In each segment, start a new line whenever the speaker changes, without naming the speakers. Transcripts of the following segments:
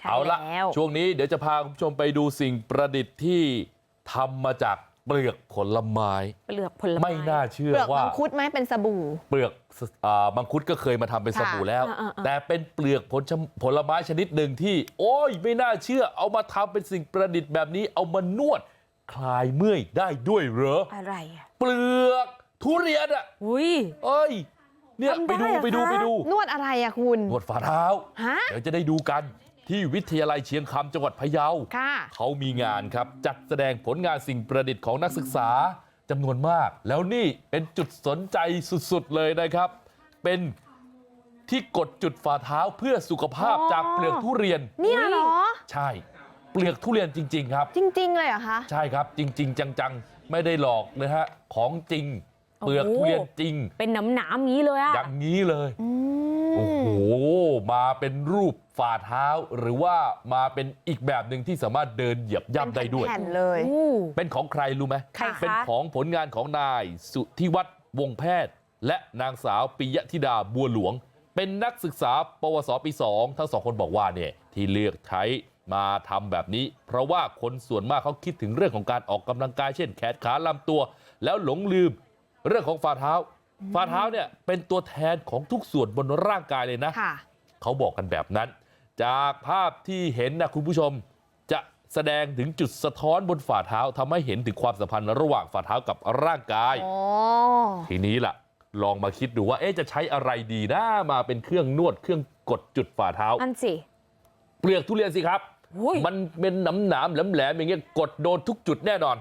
เอาละช่วงนี้เดี๋ยวจะพาคุณผู้ชมไปดูสิ่งประดิษฐ์ที่ทำมาจากเปลือกผลไม้ไม่น่าเชื่อว่า
เปลือกมังคุดไหมเป็นสบู่
เปลือกมังคุดก็เคยมาทำเป็นสบู่แล้วแต่เป็นเปลือกผลไม้ชนิดหนึ่งที่โอ้ยไม่น่าเชื่อเอามาทำเป็นสิ่งประดิษฐ์แบบนี้เอามานวดคลายเมื่อยได้ด้วยเหรอ
อะไร
เปลือกทุเรียนอ่ะเอ้ยเนี่ยไปดู
นวดอะไรอะคุณ
นวดฝ่าเท้าเดี๋ยวจะได้ดูกันที่วิทยาลัยเชียงคำจังหวัดพะเยาเขามีงานครับจัดแสดงผลงานสิ่งประดิษฐ์ของนักศึกษาจำนวนมากแล้วนี่เป็นจุดสนใจสุดๆเลยนะครับเป็นที่กดจุดฝ่าเท้าเพื่อสุขภาพจากเปลือกทุเรียน
เนี่ยเหรอ
ใช่เปลือกทุเรียนจริงๆครับ
จริงๆเลยเหรอคะ
ใช่ครับจริงๆจังๆไม่ได้หลอกเลยฮะของจริงเปลือกทุเรียนจริง
เป็นหนามๆงี้เลยอะ
อย่างนี้เลยโอ้โหมาเป็นรูปฝ่าเท้าหรือว่ามาเป็นอีกแบบหนึ่งที่สามารถเดินเหยียบย่ำได้ด้วยเป็นของใครรู้ไหมเป็นของผลงานของนายสุทธิวัฒน์วงแพทย์และนางสาวปิยธิดาบัวหลวงเป็นนักศึกษาปวสปี2ทั้งสองคนบอกว่าเนี่ยที่เลือกใช้มาทำแบบนี้เพราะว่าคนส่วนมากเขาคิดถึงเรื่องของการออกกำลังกายเช่นแขนขาลำตัวแล้วหลงลืมเรื่องของฝ่าเท้าเนี่ยเป็นตัวแทนของทุกส่วนบนร่างกายเลยนะเขาบอกกันแบบนั้นจากภาพที่เห็นนะคุณผู้ชมจะแสดงถึงจุดสะท้อนบนฝ่าเท้าทำให้เห็นถึงความสัมพันธ์ระหว่างฝ่าเท้ากับร่างกายทีนี้ล่ะลองมาคิดดูว่าจะใช้อะไรดีนะมาเป็นเครื่องนวดเครื่องกดจุดฝ่าเท้า
อันสิ
เปลือกทุเรียนสิครับมันเป็นหนามแหลมๆอย่างเงี้ยกดโดนทุกจุดแน่นอน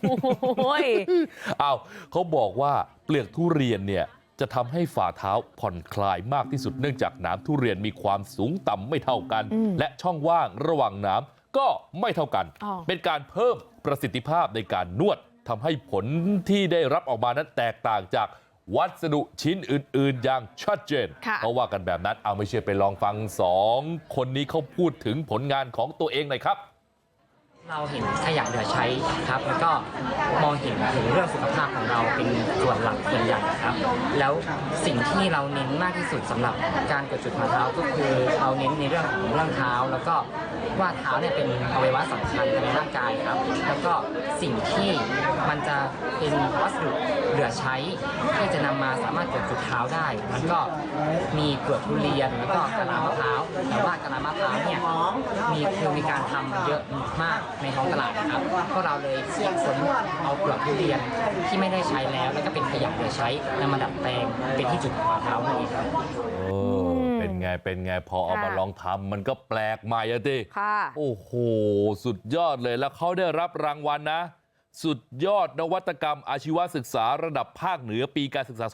อ้าวเขาบอกว่าเปลือกทุเรียนเนี่ยจะทำให้ฝ่าเท้าผ่อนคลายมากที่สุดเนื่องจากหนามทุเรียนมีความสูงต่ำไม่เท่ากันและช่องว่างระหว่างหนามก็ไม่เท่ากันเป็นการเพิ่มประสิทธิภาพในการนวดทำให้ผลที่ได้รับออกมานั้นแตกต่างจากวัสดุชิ้นอื่นๆอย่างชัดเจนเพราะว่ากันแบบนั้นเอาไม่เชื่อไปลองฟัง2คนนี้เขาพูดถึงผลงานของตัวเองหน่อยครับ
เราเห็นขยะเหลือใช้ครับแล้วก็มองเห็นถึงเรื่องสุขภาพของเราเป็นส่วนหลักส่วนใหญ่ครับแล้วสิ่งที่เราเน้นมากที่สุดสำหรับการกดจุดฝ่าเท้าก็คือเราเน้นในเรื่องของเรื่องเท้าแล้วก็ว่าเท้าเนี่ยเป็นอวัยวะสำคัญในร่างกายครับแล้วก็สิ่งที่มันจะเป็นวัสดุเหลือใช้ที่จะนำมาสามารถกดจุดเท้าได้มันก็มีเปลือกทุเรียนแล้วก็กะลามะพร้าวแต่ว่ากะลามะพร้าวเนี่ยมีการทำเยอะมากในท้องตลาดนะครับก็เราเลยคิดค้นเอาเปลือกทุเรียนที่ไม่ได้ใช้แล้วก็เป็นขยะเหลือใช้นำมาดัดแปลงเป็นที่จุดฝ่าเท้านั่นเองครับ
เป็นไงพอเอามาลองทำมันก็แปลกใหม่อะดิโอ้โหสุดยอดเลยแล้วเขาได้รับรางวัลนะสุดยอดนวัตกรรมอาชีวศึกษาระดับภาคเหนือปีการศึกษา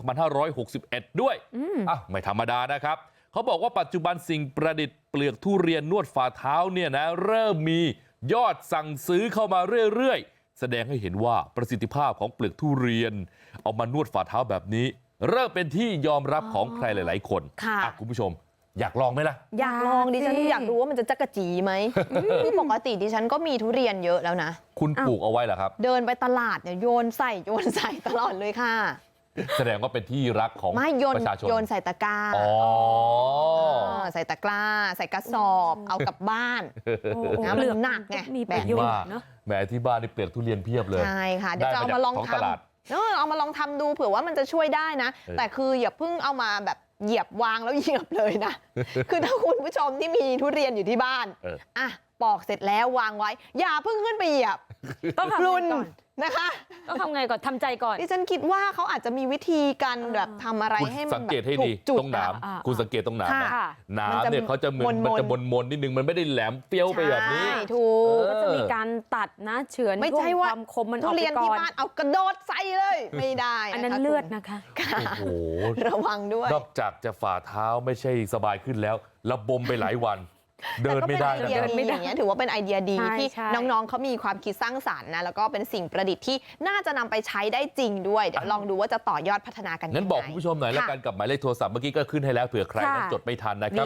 2561 ด้วยไม่ธรรมดานะครับเขาบอกว่าปัจจุบันสิ่งประดิษฐ์เปลือกทุเรียนนวดฝ่าเท้าเนี่ยนะเริ่มมียอดสั่งซื้อเข้ามาเรื่อยๆแสดงให้เห็นว่าประสิทธิภาพของเปลือกทุเรียนเอามานวดฝ่าเท้าแบบนี้เริ่มเป็นที่ยอมรับของใครหลายๆคนคุณผู้ชมอยากลองไหมล่ะ
อยากลองดิฉันอยากรู้ว่ามันจะจักกะจีไหมคือปกติดิฉันก็มีทุเรียนเยอะแล้วนะ
คุณปลูกเอาไว้เหรอครับ
เดินไปตลาดเนี่ยโยนใส่ตลอดเลยค่ะ
แสดงว่าเป็นที่รักของประชาชน
โยนใส่ตะกร้าใส่ตะกร้าใส่กระสอบเอากลับบ้าน
เปลือกหนักไง
มีประโยชน์เนาะแหมที่บ้านนี่เปลือกทุเรียนเพียบเลย
ใช่ค่ะเดี๋ยวจะเอามาลองทำเอามาลองทำดูเผื่อว่ามันจะช่วยได้นะแต่คืออย่าเพิ่งเอามาแบบเหยียบวางแล้วเหยียบเลยนะคือถ้าคุณผู้ชมที่มีทุเรียนอยู่ที่บ้านปอกเสร็จแล้ววางไว้อย่าเพิ่งขึ้นไปเหยียบ
ต้องทำก่อน
นะคะ
ต้องทำไงก่อนทำใจก่อน
ดิฉันคิดว่าเขาอาจจะมีวิธีการแบบทำอะไรให้มัน
สังเกตให้ดีตรงหนามคุณสังเกตตรงหนามหนามเนี่ยเขาจะมันจะมนนิดนึงมันไม่ได้แหลมเปรี้ยวไปแบบนี้
ถูก
ก็จะมีการตัดนะเฉือน
ไม่ใช่ว่า
ความคมมันอ
อกไปก่อนทุเรียนที่บ้านเอากระโดดใส่เลยไม่ได้
อันนั้นเลือดนะคะ
โอ้โห
ระวังด้วย
นอกจากจะฝ่าเท้าไม่ใช่สบายขึ้นแล้วระบมไปหลายวันเดินไม่ได้
อย่างเงี้ยถือว่าเป็นไอเดียดีที่น้องๆเขามีความคิดสร้างสรรค์นะแล้วก็เป็นสิ่งประดิษฐ์ที่น่าจะนำไปใช้ได้จริงด้วยเดี๋ยวลองดูว่าจะต่อยอดพัฒนากันยังไง
งั้นบอกคุณผู้ชมหน่อยแล้วกันกับหมายเลขโทรศัพท์เมื่อกี้ก็ขึ้นให้แล้วเผื่อใครนั้นจดไม่ทันนะครับ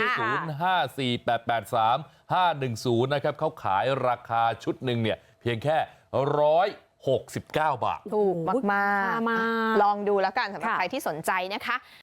0548835510นะครับเขาขายราคาชุดหนึ่งเนี่ยเพียงแค่169 บาท
ถูกมากๆลองดูแล้วกันสำหรับใครที่สนใจนะคะ